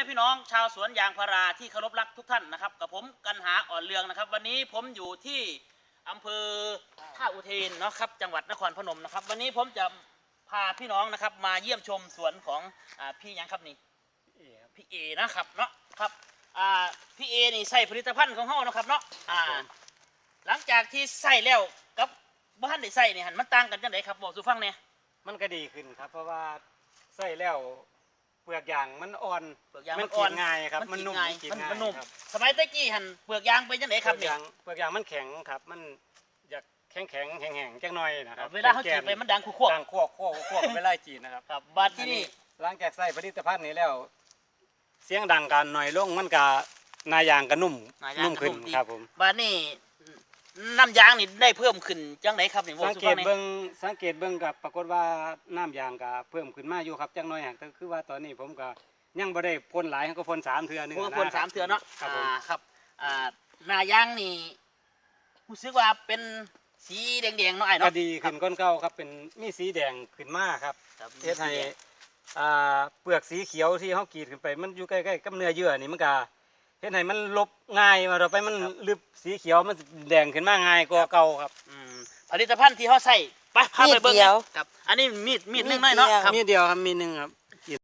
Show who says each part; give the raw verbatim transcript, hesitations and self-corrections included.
Speaker 1: ม่พี่น้องชาวสวนยางพาราที่เคารพรักทุกท่านนะครับกับผมกันหาอ่อนเรืองนะครับวันนี้ผมอยู่ที่อำเภอท่าอุเทนเนาะครับจังหวัดนครพนมนะครับวันนี้ผมจะพาพี่น้องนะครับมาเยี่ยมชมสวนของอ่าพี่ยังครับนี่พี่เอนะครับเนาะครับอ่าพี่เอนี่ใส่ผลิตภัณฑ์ของเฮานะครับเนาะอ่าหลังจากที่ใส่แล้วกับบ้านได้ใส่เนี่ยหันมันต่างกันจังไดครับบอกสู่ฟังเนี่ย
Speaker 2: มันก็ดีขึ้นครับเพราะว่าใส่แล้วเปลือกยางมันอ่อน
Speaker 1: เปลือกยาง
Speaker 2: มั
Speaker 1: มัน
Speaker 2: น
Speaker 1: อ่อน
Speaker 2: กินง่ายครับมันนุ่ม
Speaker 1: ง่าย
Speaker 2: กิน
Speaker 1: มัน
Speaker 2: ง่าย
Speaker 1: มันนุ่ม
Speaker 2: ครับ
Speaker 1: สมัยตะกี้หันเปลือกยางเป็นจังไดครับ
Speaker 2: เปลื
Speaker 1: นี่
Speaker 2: อกยางเปลือกยางมันแข็งครับมันอยากแข็งแข็งแข็งแข็งจังหน่อยนะครับ
Speaker 1: เวลาเขาจีบไปมันดังคู่
Speaker 2: ดังคั่วคั่วคั่วไปไล่จีนนะครับ
Speaker 1: ครับบัดที่นี่
Speaker 2: หลังจากใส่ผลิตภัณฑ์นี้แล้ว เสียงดังกันหน่อยลงมันก็นายางก็นุ่ม
Speaker 1: นายาง
Speaker 2: นุ่ม
Speaker 1: ก็
Speaker 2: ขึ้น
Speaker 1: นุ่มดี
Speaker 2: ครับผม
Speaker 1: บัดนี้น้ำยางนี่ได้เพิ่มขึ้นจังไดครับนี่บอก
Speaker 2: สัง
Speaker 1: สู่
Speaker 2: เก
Speaker 1: ฟั
Speaker 2: ต
Speaker 1: งนี่
Speaker 2: เบิ้งสังเกตเบิ้งกับปรากฏว่าน้ำยางก็เพิ่มขึ้นมาอยู่ครับจังน้อยหักแต่คือว่าตอนนี้ผมก็ยังบ่ได้พ่นหลายก็พ่นสามเทื่อหนึง
Speaker 1: ผมก็
Speaker 2: นะ
Speaker 1: พ่นสามเทื่อเนาะ
Speaker 2: ครับผม
Speaker 1: อ่าครับอ่าหน้ายางนี่รู้สึกว่าเป็นสีแดงๆเนาะไอ้
Speaker 2: ก็
Speaker 1: เนาะ
Speaker 2: ดีขึ้นก้นเก่าครับเป็นมีสีแดงขึ้นมาครับ
Speaker 1: ครับ
Speaker 2: เฮ็ดให้อ่าเปลือกสีเขียวที่เฮากรีดขึ้นไปมันอยู่ใกล้ๆกับเนื้อเยื่อนี่มันก็เฮ็ดให้มันลบง่ายมาต่อไปมันลึบสีเขียวมันแดงขึ้นมาง่ายกว่าเก่าครับ
Speaker 1: อืมผลิตภัณฑ์ที่เขาใส่ไปพาไปเบิ่ง
Speaker 3: มีดเดียว
Speaker 1: ครับอันนี้มีดมีดหนึงหน่อยเนาะ
Speaker 3: มีดเดียว
Speaker 1: ครับ
Speaker 2: มีเดียวครับมีหนึงครับ